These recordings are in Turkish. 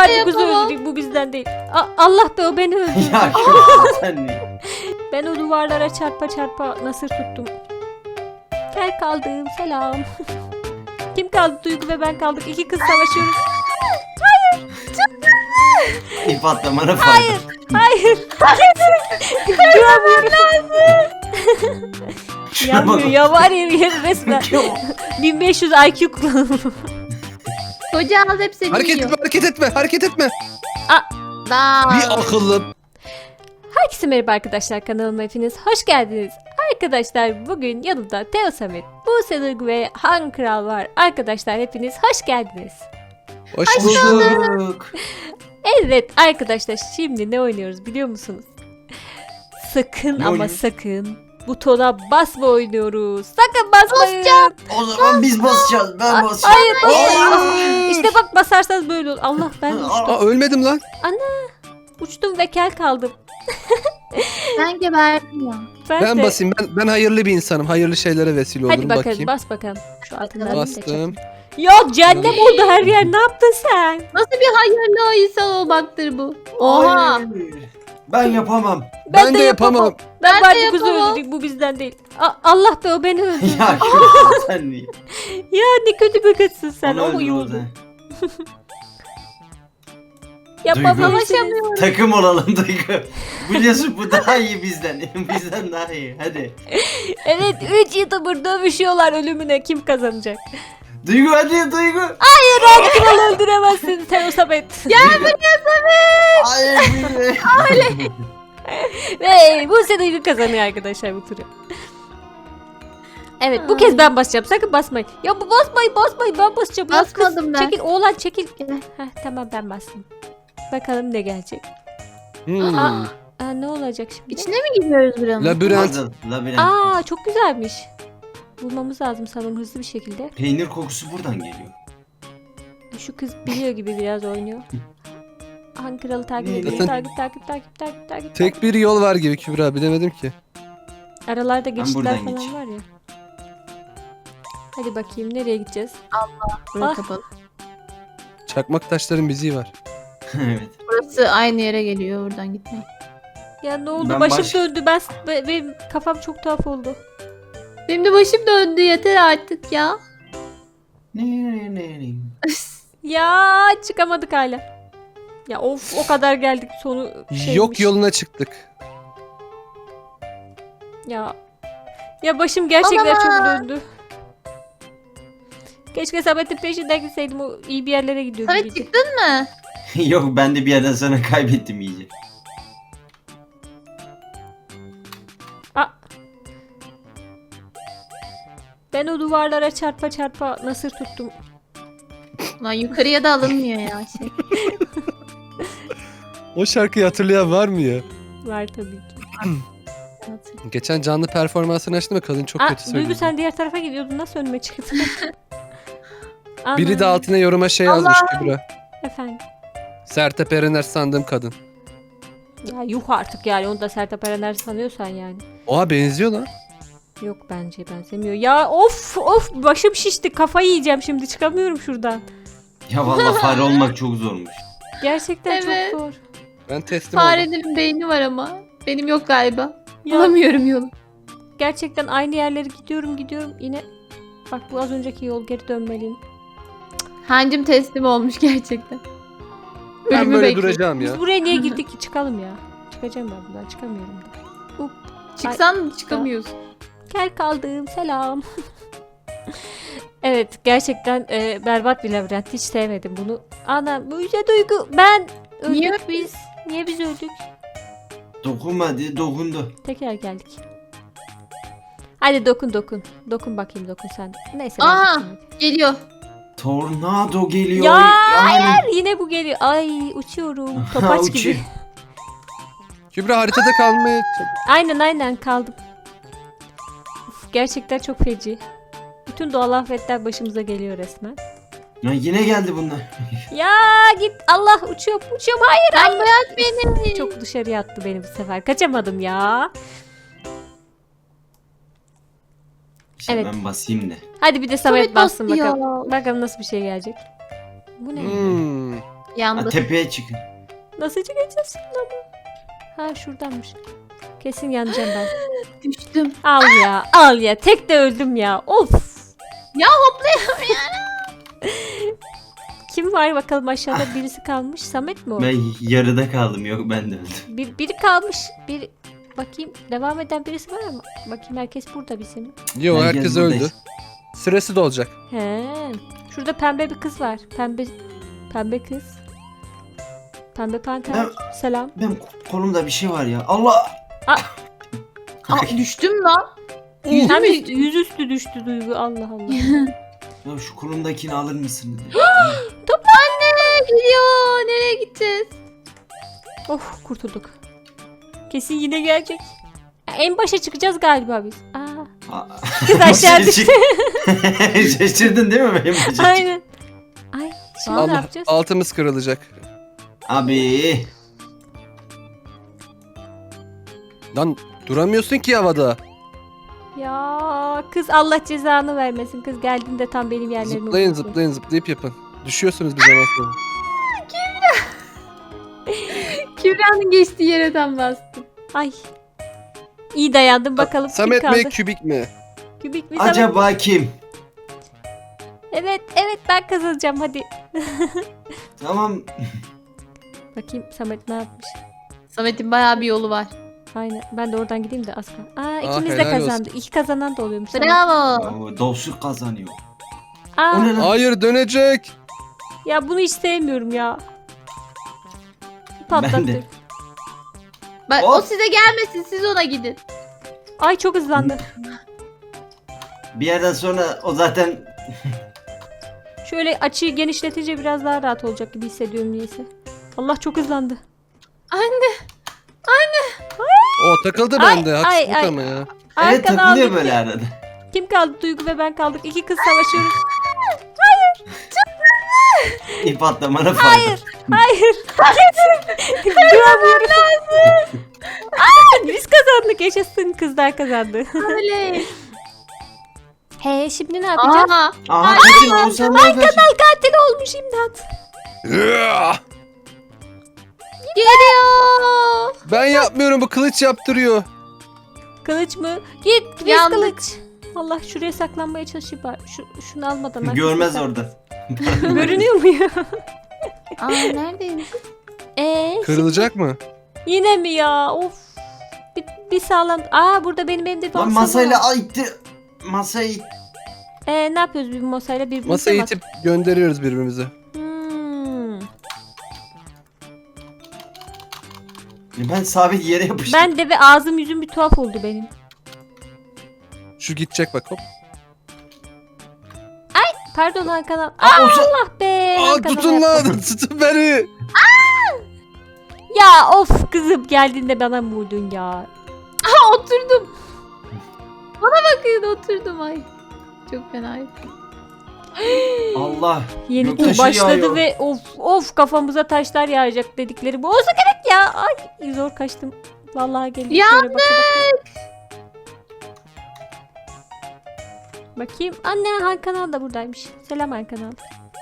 Barbie kızı öldürdük, bu bizden değil. Allah be, o beni öldürdü. Ya kızım sen ne? Ben o duvarlara çarpa çarpa nasır tuttum. Kel kaldım, selam. Kim kaldı? Duygu ve ben kaldık. İki kız savaşıyoruz. İp atlamana Hayır, fayda. hayır. Duramıyorum. Yanmıyor ya, var ya resmen. 1500 IQ kullanımı. Koca ağız hep seni Hareket yiyor. etme, hareket etme, hareket etme. Daha. Bir akıllı. Herkese merhaba arkadaşlar, kanalıma hepiniz hoş geldiniz. Arkadaşlar bugün yanımda Teo Samet, Buse Duygu ve Han Kral var. Arkadaşlar hepiniz hoş geldiniz. Hoş bulduk. Bulduk. Evet arkadaşlar, şimdi ne oynuyoruz biliyor musunuz? Sakın Ne ama oynuyoruz? sakın butona basma oynuyoruz. Sakın basmayın. O zaman biz basacağız. Ben basacağım. Hayır. İşte bak, basarsanız böyle olur. Allah, ben de uçtum. Aa, ölmedim lan. Uçtum ve kel kaldım. Ben geberdim ya. Ben de. basayım. Ben hayırlı bir insanım. Hayırlı şeylere vesile olurum. Hadi bakalım, bakayım. bas bakalım. Şu altından Bastım. Yok, cehennem oldu her yer. Ne yaptın sen? Nasıl bir hayırlı insan olmaktır bu? Oha. Hayır. Ben yapamam. Ben de yapamam. Ben Ben de Barbie kızı yapamam. öldürdük, bu bizden değil. Allah be, o beni öldürdü. Ya kızım sen ne? Ya ne kötü bir kızsın sen. Onu O öldür iyi o oldu. zaman. Yapamam. Ulaşamıyorum. Takım olalım Duygu. Biliyorsun bu daha iyi bizden. Bizden daha iyi. Hadi. Evet, 3 YouTuber dövüşüyorlar ölümüne. Kim kazanacak? Duygu hadi Duygu. Han Kral öldüremezsin Teo Samet. Hayır Duygu. Ve Buse Duygu kazanıyor arkadaşlar bu turu. Evet, bu kez ben basacağım. Sakın basmayın. Ya bu basmayın. Ben basacağım. Ya kız, Basmadım ben. Çekil oğlan, çekil. Gel. Heh, tamam, ben bastım. Bakalım ne gelecek. Hmm. Aa, ne olacak şimdi? İçine mi gidiyoruz buranın? Labirent. Labirent. Aa, çok güzelmiş. Bulmamız lazım sanırım hızlı bir şekilde. Peynir kokusu buradan geliyor. Şu kız biliyor gibi biraz oynuyor. Han Kral'ı takip Ne? ediyor. Zaten- Takip. Tek bir yol var gibi Kübra. Bilemedim ki. Aralarda geçitler buradan falan geç. var ya. Hadi bakayım, nereye gideceğiz? Burası Ah. kapalı. Çakmak taşların bizi var. Evet. Burası aynı yere geliyor. Oradan gitmeyin. Ya ne oldu? Ben Başım döndü. Benim kafam çok tuhaf oldu. Benim de başım döndü. Yeter artık ya. Ne. Ya çıkamadık hala. Ya of, o kadar geldik, sonu şeymiş. Yok yoluna çıktık. Ya başım gerçekten Aman. çok döndü. Keşke Samet'in peşinden gitseydim, o iyi bir yerlere gidiyordu. Samet iyice. çıktın mı? Yok ben de bir yerden sonra kaybettim iyice. Aa. Ben o duvarlara çarpa çarpa nasır tuttum. Lan yukarıya da alınmıyor ya şey. O şarkıyı hatırlayan var mı ya? Var tabii ki. Geçen canlı performansını açtım ve kadın çok kötü Duygu, söyledi. sen diğer tarafa gidiyordun. Nasıl önüme çıktın? Biri de Ana. altına yoruma şey yazmış Kübra. Efendim. Sertab Erener sandığım kadın. Ya yuh artık yani. Onu da Sertab Erener sanıyorsan yani. Oha benziyor lan. Yok, bence benzemiyor. Ya of başım şişti. Kafayı yiyeceğim şimdi. Çıkamıyorum şuradan. Ya vallahi fare olmak çok zormuş. Gerçekten Evet. çok zor. Ben teslim oldum. Farelerin beyni var ama. Benim yok galiba. Ya Bulamıyorum yolu. gerçekten aynı yerlere gidiyorum. Yine bak, bu az önceki yol, geri dönmeliyim. Hancım teslim olmuş gerçekten. Ben Ölümü böyle bekliyor. duracağım ya. Biz buraya niye girdik ki? Çıkalım ya. Çıkacağım ben buradan. Çıkamıyorum da. Çıksan çıkamıyorsun. Kel kaldım, selam. Evet, gerçekten berbat bir labirent. Hiç sevmedim bunu. Ana, bu yüce Duygu. Ben öldük Niye? biz. Niye biz öldük? Dokunmadı, dokundu. Tekrar geldik. Hadi dokun. Dokun bakayım, sen. Neyse. ben Aa! dokun hadi. Geliyor. Tornado geliyor. Ya, Yani. Yine bu geliyor. Ay, uçuyorum. Topaç Uçuyor. gibi. Kübra haritada kalmaya Aynen kaldım. Uf, gerçekten çok feci. Bütün doğal afetler başımıza geliyor resmen. Ya yine geldi bunlar. Ya git, Allah, uçuyorum. Hayır. Bırak beni. Çok dışarıya attı beni bu sefer. Kaçamadım ya. İşte Evet. ben basayım da. Hadi bir de Samet Samet bassın bastı ya. bakalım. Bakalım nasıl bir şey gelecek. Bu ne? Yandı. Tepeye çıkın. Nasıl çıkacağız şimdi ama? Ha şuradanmış. Kesin yanacağım ben. Düştüm. Al ya. Tek de öldüm ya. Of. Ya hoplayamıyorum ya. Kim var bakalım aşağıda birisi kalmış. Samet mi o? Ben yarıda kaldım. Yok ben de öldüm. Biri kalmış. Bakayım devam eden birisi var ama. Bakayım herkes burada bizim. Yo herkes öldü. buradayız. Süresi de olacak. He. Şurada pembe bir kız var. Pembe kız. Pembe panter. Selam. Benim kolumda bir şey var ya. Allah! Aa, düştüm lan. Hem yüzüstü düştü Duygu. Allah Allah. Ya şu kolumdakini alır mısınız? Anne gidiyor. Nereye gideceğiz? Of kurtulduk. Kesin yine gelecek. Ya, en başa çıkacağız galiba biz. Kız aşağı düştü. Şaşırdın değil mi benim bacım? Aynen. Ay şimdi ne Allah, yapacağız? altımız kırılacak. Abi. Lan duramıyorsun ki havada. Ya kız Allah cezanı vermesin. Kız geldiğinde tam benim yerlerime Zıplayın oturdu. zıplayın zıplayıp yapın. Düşüyorsunuz bir zaman sonra. Kübra'nın geçtiği yere tam bastım. Ay. İyi dayandım bakalım kim Samet kaldı. mi kübik mi? Kübik mi Samet? Acaba kim? Evet ben kazanacağım hadi. Tamam. Bakayım Samet ne yapmış. Samet'in bayağı bir yolu var. Aynen ben de oradan gideyim de az kal. İkimiz de helal kazandı. İki kazanan da oluyormuş. Samet. Bravo. Dostluk kazanıyor. Aa, O ne lan? Hayır dönecek. ya bunu hiç sevmiyorum ya. Ben de. Patlattık. Bak Hop. o size gelmesin, siz ona gidin. Ay çok hızlandı. Bir yerden sonra o zaten Şöyle açıyı genişletince biraz daha rahat olacak gibi hissediyorum niyeyse. Allah çok hızlandı. Anne. O takıldı Ay, bende. ay, Haksızlık ay. ama ya. evet Arkana takılıyor aldık böyle ya. arada. Kim kaldı? Duygu ve ben kaldık. İki kız savaşıyoruz. İp atlamana fayda. Hayır. Duramıyorum. Biz kazandık. Yaşasın kızlar kazandı. Öyle. He şimdi ne yapacağız? Aha. Aha kaçın Oğuzhan'dan kaçın. Katil olmuş imdat. Geliyor. Ben yapmıyorum, bu kılıç yaptırıyor. Kılıç mı? Git biz Yandık. kılıç. Allah şuraya saklanmaya çalışayım bari. Şunu almadan. arkasına Görmez sak- orada. Görünüyor mu ya? Aa neredeymiş? Kırılacak mı? Yine mi ya? Of. Bir sağlam. Burada benim elimde bir Lan masa masayla var. itti. Masayı it. Ne yapıyoruz bir masayla birbirimize Masayı mi itip gönderiyoruz birbirimize. Ben sabit yere yapıştım. Ben de ve ağzım yüzüm bir tuhaf oldu benim. Şu gidecek bak hop. Pardon Hakan abi. Aa, Oğuzhan- Allah be. Aa Hakan tutun abi. lan tutun beni. Ya of kızım geldiğinde bana mı vurdun ya? Ha oturdum. Bana bakın oturdum ay. Çok fena. Allah. Yeni Göktaşı tur başladı yağıyor. ve of kafamıza taşlar yağacak dedikleri bu olsa gerek ya. Ay zor kaçtım. Vallahi geldim. Yandık. Bakayım. Anne Hakan abi da buradaymış. Selam Hakan abi.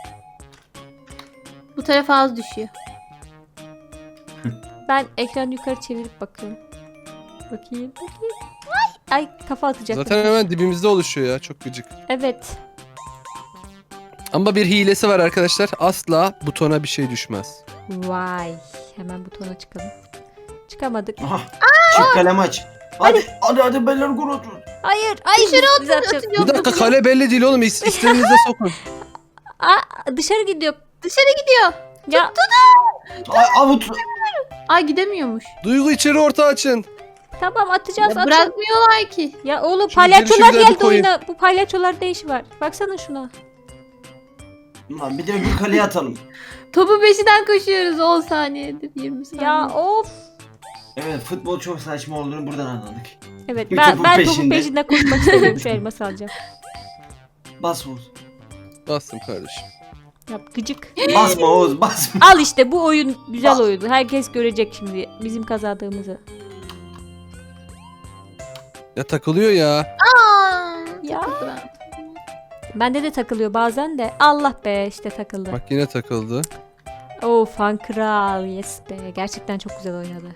Bu tarafa az düşüyor. Ben ekranı yukarı çevirip bakıyorum. Bakayım. Ay kafa atacak. Zaten hemen dibimizde oluşuyor ya, çok gıcık. Evet. Ama bir hilesi var arkadaşlar. Asla butona bir şey düşmez. Vay. Hemen butona çıkalım. Çıkamadık. Aha. Çık kalem aç. Hadi beyler gol atın. Hayır. Dışarı biz atacağız. Bir dakika, kale belli değil oğlum. İstediğinizde sokun. Dışarı gidiyor. Dışarı gidiyor. Ya Ay avut. Ay gidemiyormuş. Duygu içeri orta açın. tamam atacağız. Ya atın. bırakmıyorlar ki. Ya oğlum Şu palyaçolar girişi güzel bir geldi koyun. oyuna. Bu palyaçolarda ne işi var? Baksana şuna. Lan bir de bir kaleye atalım. Topu peşinden koşuyoruz 10 saniyedir 20 saniye. Ya of. Evet futbol çok saçma olduğunu buradan anladık. Evet Bir ben topun topun peşinde. peşinde koşmak istemiyorum şu elması alacağım. Bas Oğuz. Bastım kardeşim. Ya gıcık. Basma Oğuz basma. Al işte bu oyun güzel Bak. oyun. Herkes görecek şimdi bizim kazandığımızı. Ya takılıyor ya. Aa, Ya. takıldı ben. Bende de takılıyor bazen de. Allah be işte takıldı. Bak yine takıldı. Fan Kral. Yes be. Gerçekten çok güzel oynadı.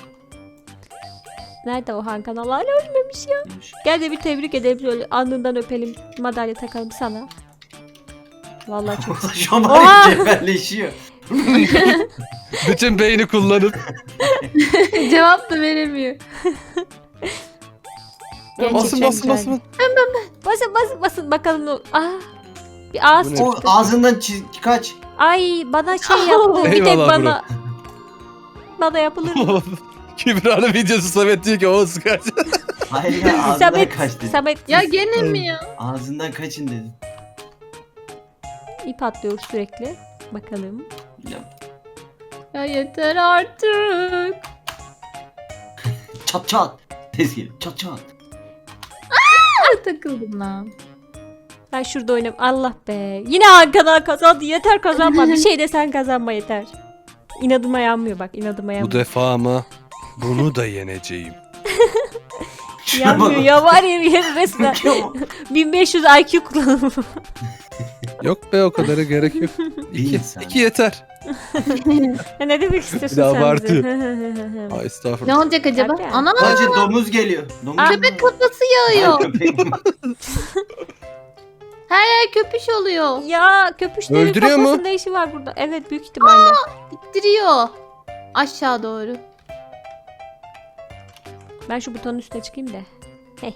Nerede o Han Kanal? Hala ölmemiş ya. Gel de bir tebrik edelim. Böyle alnından öpelim. Madalya takalım sana. Vallahi çok Şu an Oha! var ya cebelleşiyor. Bütün beyni kullanıp. Cevap da veremiyor. Basın basın basın. Basın bakalım. Bir ağız Bu ne? O çıktı. ağzından kaç. Ay bana şey yaptı. Bir tek Eyvallah bana. Bana yapılır mı? Kübra'nın videosu Samet diyor ki o kaç. Hayır ya ağzından Samet, kaç dedim. Samet Ya gene mi ya? Ağzından kaçın dedim. ip atlıyoruz sürekli. Bakalım. Ya, Ya yeter artık. çat çat. Tez gelin çat çat. Takıldım lan. Ben şurada oynayayım. Allah be. Yine Han Kanal kazandı. Yeter kazanma. Bir şey de sen kazanma yeter. İnadıma yanmıyor bak. İnadıma Bu yanmıyor. defa ama bunu da yeneceğim. Yanmıyor ya var ya resmen. 1500 IQ kullanımı. Yok be o kadara gerek yok. Bir 2 insan. 2 yeter. Ne demek istiyorsun Bir de sen abartıyor. bize? Ay Ne estağfurullah. olacak acaba? Tabii. Ana Bence domuz geliyor. Domuz Aa, köpek kafası Ay, yağıyor. köpek. Her yer köpüş oluyor. Ya köpüşlerin Öldürüyor mu? kafasında işi var burada. Evet büyük ihtimalle. İttiriyor. Aşağı doğru. Ben şu butonun üstüne çıkayım da. Hey.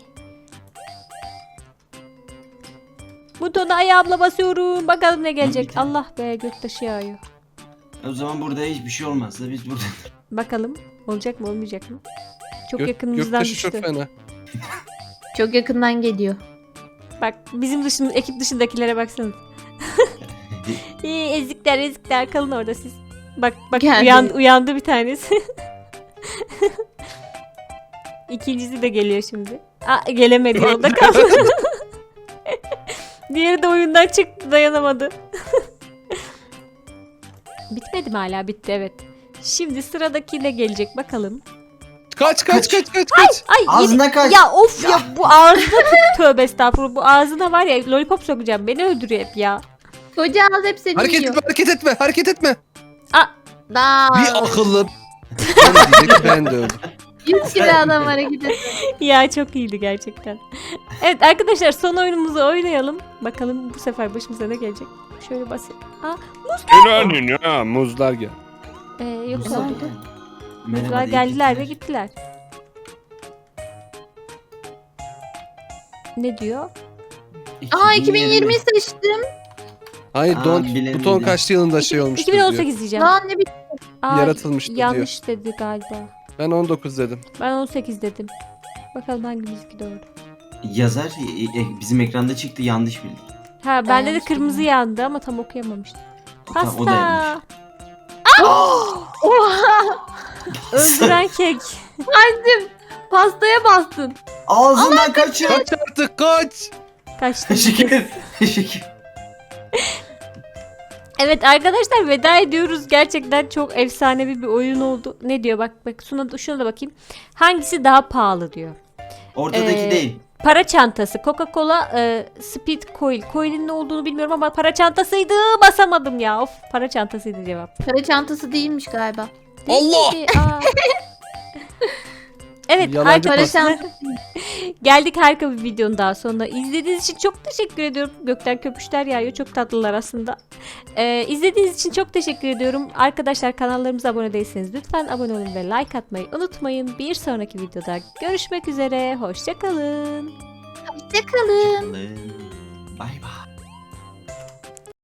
Butona ayağımla basıyorum. Bakalım ne gelecek. Gitti. Allah be göktaşı yağıyor. O zaman burada hiçbir şey olmazsa biz burada. Bakalım olacak mı olmayacak mı? Çok Gök, yakınımızdan göktaşı düştü. çok fena. Çok yakından geliyor. Bak bizim ekip dışındakilere baksanız. İyi ezikler kalın orada siz. Bak Geldi. uyandı bir tanesi. İkincisi de geliyor şimdi. Gelemedi orada kaldı. Diğeri de oyundan çıktı dayanamadı. Bitmedi mi hala? Bitti evet. Şimdi sıradaki ne gelecek bakalım. Kaç. Ay Ağzına kaç. ya of ya bu ağzına tövbe estağfurullah bu ağzına var ya lollipop sokacağım beni öldürüyor hep ya. Koca ağız hep seni Hareket yiyor. etme hareket etme. Daha. Bir akıllı. Ben diyecek ben de öldüm. 100 kilo adam hareket ediyor. Ya çok iyiydi gerçekten. Evet arkadaşlar son oyunumuzu oynayalım. Bakalım bu sefer başımıza ne gelecek. Şöyle basayım. Ya muzlar gel. Yok Muzlar oldu. geldi. Muzlar Merhaba geldiler ve deyip gittiler. Ne diyor? Aa 2020'yi seçtim. Hayır Aa, don bilemedim. buton kaç yılında şey olmuştu diyor. 2018 diyeceğim. Lan ne bir Yanlış Yaratılmıştı yanlış dedi galiba. Ben 19 dedim. Ben 18 dedim. Bakalım hangimizinki doğru. Yazar bizim ekranda çıktı yanlış bildik. Ha bende de yanlış kırmızı bildim. yandı ama tam okuyamamıştım. Tamam, o da Pasta. yanlış. Oha. Öldüren kek. Annem pastaya bastın. Ağzından kaçın. Kaç artık kaç. Kaçtı. Teşekkür. Teşekkür. Evet arkadaşlar veda ediyoruz. Gerçekten çok efsanevi bir oyun oldu. Ne diyor bak şuna da bakayım. Hangisi daha pahalı diyor. Ortadaki değil. Para çantası. Coca-Cola Speed Coil. Coil'in ne olduğunu bilmiyorum ama para çantasıydı. Basamadım ya. Of para çantasıydı cevap. Para çantası değilmiş galiba. Allah! Aa. Evet Yalancı Para pasta. çantası. geldik harika bir videonun daha sonuna. İzlediğiniz için çok teşekkür ediyorum. Gökten köpüşler yağıyor. Çok tatlılar aslında. İzlediğiniz için çok teşekkür ediyorum. Arkadaşlar kanallarımıza abone değilseniz lütfen abone olun ve like atmayı unutmayın. Bir sonraki videoda görüşmek üzere. Hoşça kalın. Hoşçakalın. Bay bay.